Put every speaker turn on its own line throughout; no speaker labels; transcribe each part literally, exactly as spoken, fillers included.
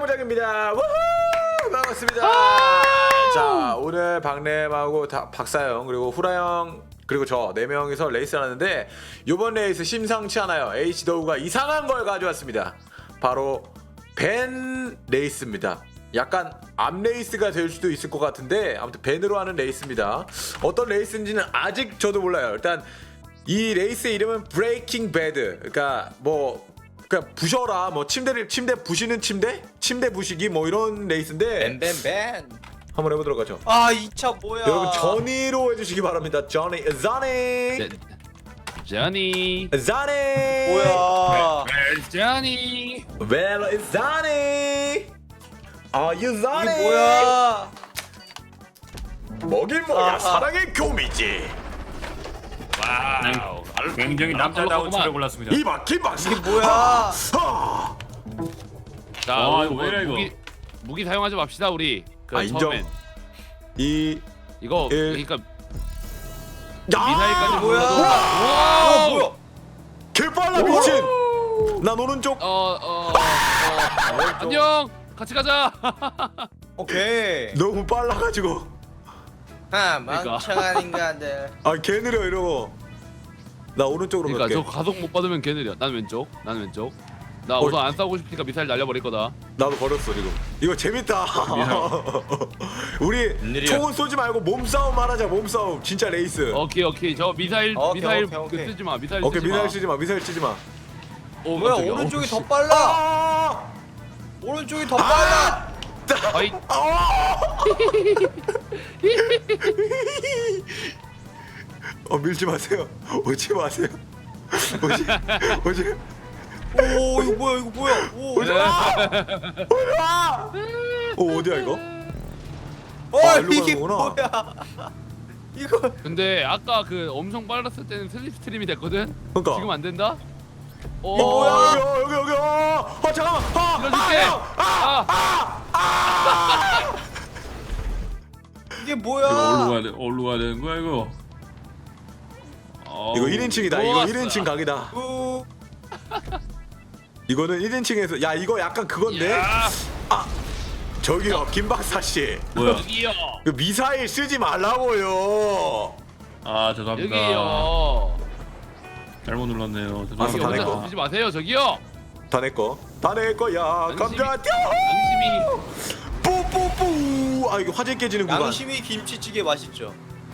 장입니다. 우후! 반갑습니다. 자, 오늘 박램하고 다, 박사형 그리고 후라형 그리고 저 네 명이서 레이스를 하는데 이번 레이스 심상치 않아요. H더우가 이상한 걸 가져왔습니다. 바로 밴 레이스입니다. 약간 암 레이스가 될 수도 있을 것 같은데 아무튼 밴으로 하는 레이스입니다. 어떤 레이스인지는 아직 저도 몰라요. 일단 이 레이스의 이름은 브레이킹 배드. 그러니까 뭐 그러니까 부셔라 뭐 침대를 침대 부시는 침대? 침대 부시기 뭐 이런 레이스인데
밴밴밴.
한번 해보도록 하죠.
아 이 차 뭐야?
여러분 저니로 해주시기 바랍니다. 저니 저니
Johnny.
저니
뭐야?
Where's Johnny?
Where is Johnny? Are you Johnny?
이게 뭐야?
먹일 뭐야
아,
사랑의 교미지.
와우.
굉장히 남자다운 차를 골랐습니다.
이박 김박사.
이게 뭐야?
아,
자,
와,
우리
이거 왜 이래, 이거?
무기 무기 사용하지 맙시다 우리. 그
아, 인정.
처음엔.
이
이거
일.
그러니까
야!
미사일까지
뭐야?
보여도-
아
와우.
뭐야?
개빨라 미친. 난 오른쪽.
어, 어, 어, 어. 안녕. 같이 가자.
오케이.
너무 빨라가지고.
아
그러니까.
멍청한 인간들.
아 개 느려 이러고. 나 오른쪽으로
그러니까
갈게.
저 가속 못 받으면 걔 느려. 난 왼쪽. 난 왼쪽. 나
어.
우선 안 싸우고 싶으니까 미사일 날려버릴 거다.
나도 버렸어 지금. 이거 재밌다. 우리
느려.
총은 쏘지 말고 몸싸움 하자. 몸싸움. 진짜 레이스.
오케이 오케이. 저 미사일
오케이,
미사일
오케이, 오케이.
그 쓰지 마. 미사일
오케이
쓰지 마.
미사일 쓰지 마. 미사일 쓰지 마.
오,
뭐야
깜짝이야.
오른쪽이
어,
더
씨.
빨라.
아!
오른쪽이 더 빨라.
아이.
어 밀지 마세요. 오지 마세요. 오지 오지
오 이거 뭐야 이거 뭐야? 오.
오지 마. 오지 마. 어 어디야 이거?
어
아, 일로
이게
가는구나.
뭐야? 이거
근데 아까 그 엄청 빨랐을 때는 슬립 스트림이 됐거든.
그러니까.
지금 안 된다? 어,
이거 뭐야? 여기 여기 여기. 어, 어 잠깐만. 아,
밀어줄게.
아,
아,
이게
이거
뭐야?
어디로 가야 돼? 어디로 가야 되는 거야 이거?
이거 일 인칭이다. 이거
좋았어.
일 인칭 각이다.
우.
이거는 일 인칭에서 야 이거 약간 그건데.
야,
저기요 김 박사 씨.
뭐야?
여기요.
그 미사일 쓰지 말라고요.
아 죄송합니다.
여기요.
잘못 눌렀네요.
알았어,
여기
다
혼자
내꺼.
덮이지 마세요. 저기요.
다 내 거. 다 내 거야. 감자 뛰어.
양심이
뿌뿌뿌. 아 이거 화재 깨지는 구간.
양심이 김치찌개 맛있죠.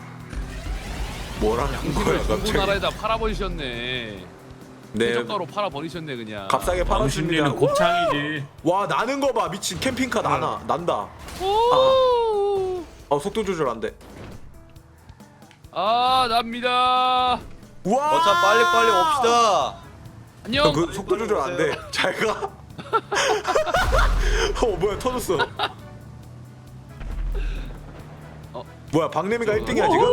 뭐라는 거야
중국
갑자기.
나라에다 팔아버리셨네.
네.
최저가로 팔아버리셨네 그냥.
값싸게 팔았습니다.
당신네는 곱창이지.
와 나는 거 봐. 미친 캠핑카 나나 난다.
오.
어 속도 조절 안 돼.
아 납니다.
와.
어차 빨리 빨리 옵시다.
안녕.
그 속도 조절 안 돼. 잘 가. 어 뭐야 터졌어.
어.
뭐야 박래미가 일 등이야 지금?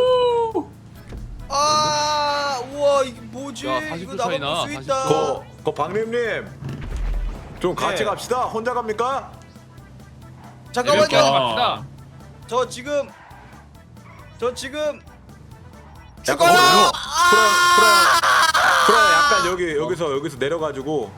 아 우와 이게 뭐지?
야, 사십
이거
도 차이
나만
나,
볼수
사십
있다.
도.
거, 거 박래님 좀 같이
네.
갑시다. 혼자 갑니까?
이렇게 하지
잠깐만요.
맙시다.
저 지금 저 지금
약간
죽어요.
어디서? 프라 프라 프라 약간 여기 여기서 여기서 내려가지고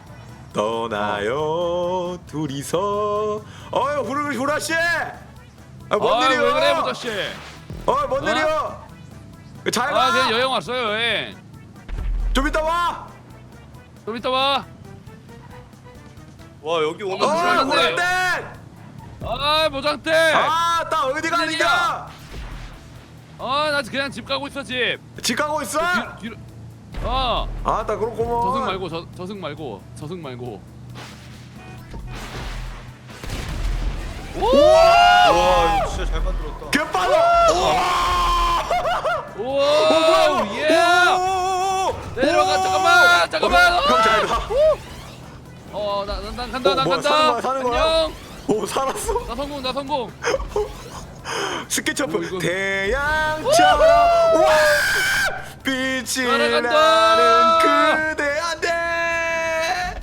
떠나요 둘이서. 어유 후라 후라 씨. 아뭔
아,
일이야?
왜 그래 모자씨.
어뭔
어?
일이야? 잘
아 그냥
가.
여행 왔어요 여행.
좀 이따 와.
좀 이따 와.
와 여기 오면
어
불안한데.
후라땡.
아 모장대.
아나 어디 가니까?
아나 그냥 집 가고 있어 집.
집 가고 있어?
뒤, 뒤로. 어.
아나 그렇구먼.
저승 말고 저 저승 말고 저승 말고.
와 이거 진짜 잘 만들었다.
개빨라.
오 예. 내려가 잠깐만 잠깐만.
형 잘 가.
어난 난 간다
어,
난
뭐야,
간다.
사는 거야, 사는 거야?
안녕.
오 살았어.
나 성공 나 성공.
스케치업
어, 이거-
태양처럼 와 빛이
날아간다.
나는 그대 안돼.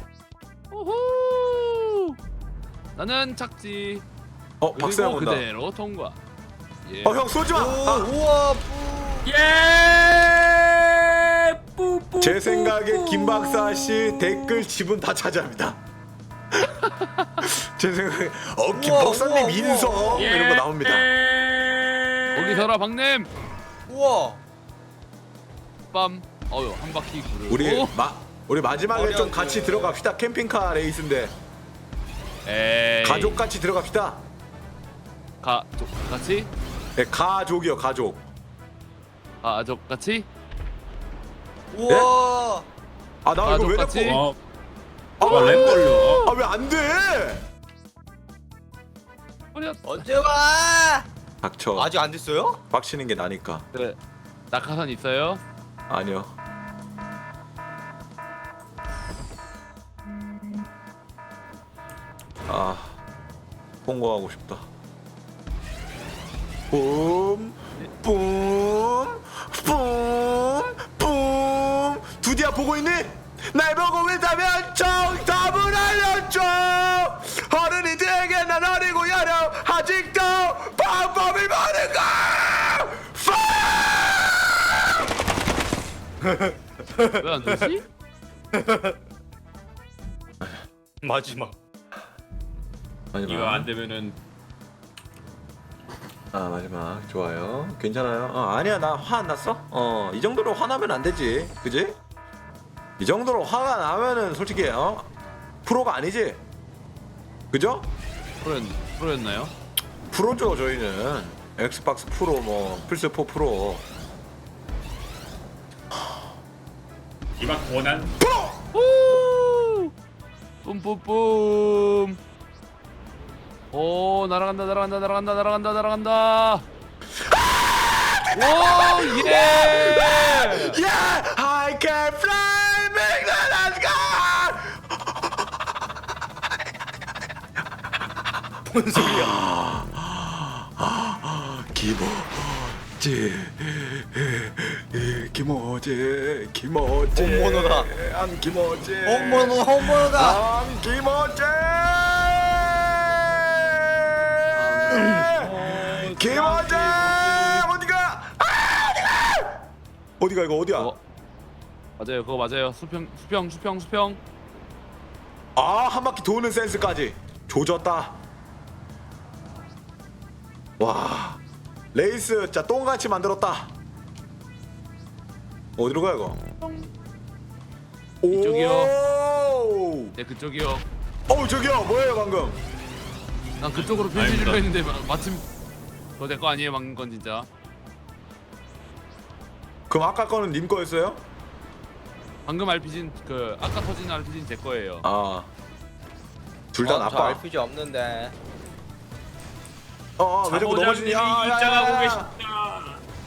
우후. 나는 착지.
어 박사형
그리고
온다.
그대로 통과. 예.
어 형 쏘지 마.
오
아,
우와 뿌.
예. 뿌뿌.
제 생각에 김 박사 씨 댓글 지분 다 차지합니다. 제 생각에 어
우와,
김박사님
우와,
인성
우와.
이런 거 나옵니다.
거기 서라 박냄.
우와.
빰. 어유 한 바퀴 구르.
우리 마 우리 마지막에 좀
어려운데.
같이 들어갑시다. 캠핑카 레이스인데
에이.
가족 같이 들어갑시다.
가 조, 같이?
네, 가족이요 가족.
가족 같이?
우와.
아 나 이거 왜
가족 같이?
자꾸
어, 아, 렉 걸려.
아왜 안 돼?
어려.
언제 와?
닥쳐.
아직 안 됐어요?
빡치는 게 나니까.
그래. 낙하산 있어요?
아니요. 아 홍보하고 싶다. 뿜, 뿜, 뿜, 뿜. 두디야 보고 있니? 날 보고 있다면 정답을 알려줘. 어른이 되게 난 어리고 여려 아직도 방법이 많은가?
왜 안 되지?
마지막.
이거 안 되면은
아 마지막 좋아요. 괜찮아요. 어, 아니야 나 화 안 났어. 어 이 정도로 화나면 안 되지, 그지? 이 정도로 화가 나면은 솔직히 어 프로가 아니지, 그죠?
프로였 프로였나요?
프로죠 저희는. 엑스박스 프로 뭐 플스포 프로.
이만 고난.
후! 뿜뿜뿜. 오 날아간다 날아간다 날아간다 날아간다 날아간다. 오 예.
Yeah, I can fly, make the sky.
뭔 소리야?
기모지, 기모지, 기모지.
홈모노다.
안 기모지.
홈모노 홈모노다.
안 기모지. 기모지 어디가? 아, 어디가? 어디가 이거 어디야?
그거 맞아요 그거 맞아요. 수평 수평 수평 수평.
아, 한 바퀴 도는 센스까지 조졌다. 와, 레이스 진짜 똥같이 만들었다. 어디로 가 이거?
이쪽이요. 네 그쪽이요.
어, 저기요. 뭐예요 방금?
난 그쪽으로 변신
아닙니다.
했는데 마- 마침 그거 내 거 아니에요 방금 건 진짜.
그럼 아까 거는 님 거였어요?
방금 알피진 그 아까 터진 알피진 제 거예요.
아, 둘 다
어, 저
나빠.
알피지 없는데.
어, 어, 왜 자꾸 넘어지니? 야, 야, 야,
입장하고
야, 야.
계십니다.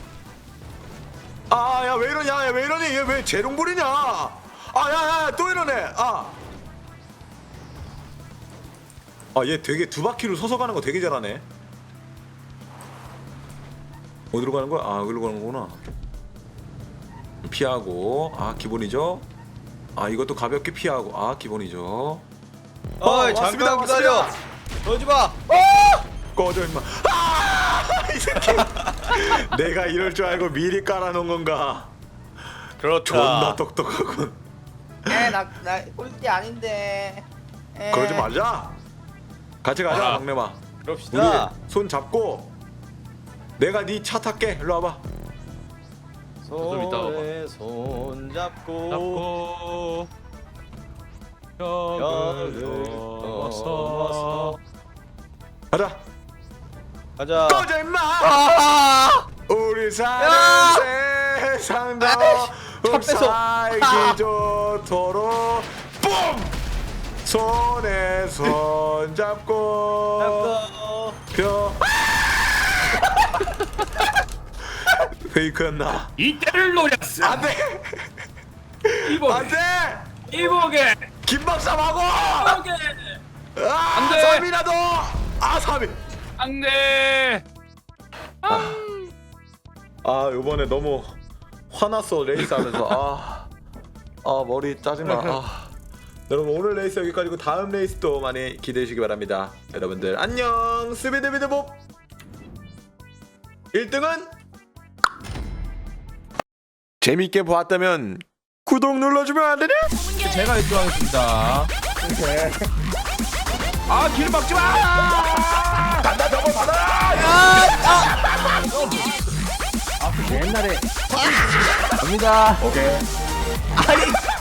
아, 야, 왜 이러냐? 야, 왜 이러니? 얘 왜 재롱불이냐? 아, 야, 야, 또 이러네. 아, 아, 얘 되게 두 바퀴로 서서 가는 거 되게 잘하네. 어디로 가는 거야? 아, 여기로 가는 거구나. 피하고, 아, 기본이죠. 아, 이것도 가볍게 피하고, 아, 기본이죠.
어이
왔습니다,
잠깐 기다려.
왔습니다.
그러지 마.
꺼져 임마. 아, 이 새끼. 내가 이럴 줄 알고 미리 깔아놓은 건가?
그렇다.
존나 똑똑하군.
에나나 꼴찌 아닌데. 에.
그러지 말자. 같이 가자,
아.
막내마.
그럽시다.
우리 손 잡고 내가 네 차 탈게. 일로 와봐.
좀 이따 와봐.
손에 손 잡고.
잡고
벽을
벽을
넘어서.
넘어서
가자.
가자.
꺼져 임마.
아!
우리 사는
야!
세상도
차 뺏어.
살기 좋도록 뿜. 손에 손 잡고
잡고.
벽. 페이크였나?
이때를 노렸어.
안돼.
이보게.
안돼.
이보게.
김박사 마고.
이보게.
아,
안 돼.
삼 위라도. 아, 삼 위.
안돼.
아, 요번에 너무 화났어 레이스 하면서. 아, 아 머리 짜증나. 아. 여러분 오늘 레이스 여기까지고 다음 레이스도 많이 기대해 주시기 바랍니다. 여러분들 안녕. 스비드비드봅. 일 등은 재밌게 보았다면 구독 눌러주면 안 되냐?
제가 일 등 하겠습니다.
아 길 막지 마. 간다 저거 받아.
옛날에 갑니다.
오케이.
아니